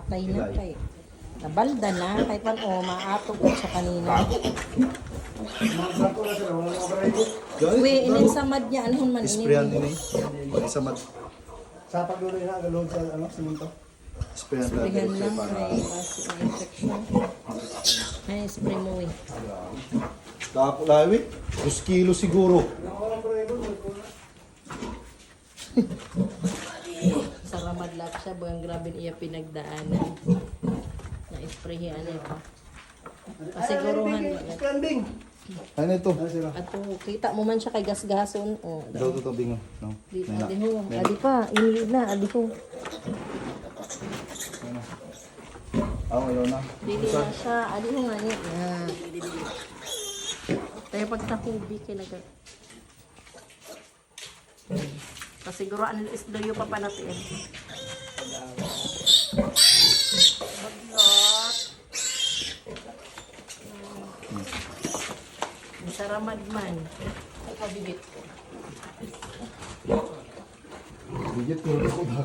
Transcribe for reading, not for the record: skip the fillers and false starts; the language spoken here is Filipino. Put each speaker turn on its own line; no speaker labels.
Patay na kay. Nabalda na kay pan o maatog at sa kanina. Uy, inin sa mad niya anhon man
Sprayan
ini.
ini. Pag isa mat.
Sa pagluloy na, galod sa simunto.
Sprayan
Sprayan
natin.
lang may infection. Ay, spray mo eh.
Tapo lawi. 2 kilo siguro.
Sa Ramadlat siya, buang grabe iya pinagdaanan. Na-sprayhan niya pa. Pasiguruhan mo.
Standing.
Ano ito?
At kita mo man siya kay gasgason. O,
Daw to bingo. No.
di,
May na.
adi ho. Adi pa, ini na, adi ho.
Ayaw na.
Dili na siya, adi ho nga niya. Tayo pagtahubi kay naga. Pasiguruhan nila isdoyo pa panatin. Baglot. Sa Ramadman. Ay, kabibit ko.
Bigit ko rin ako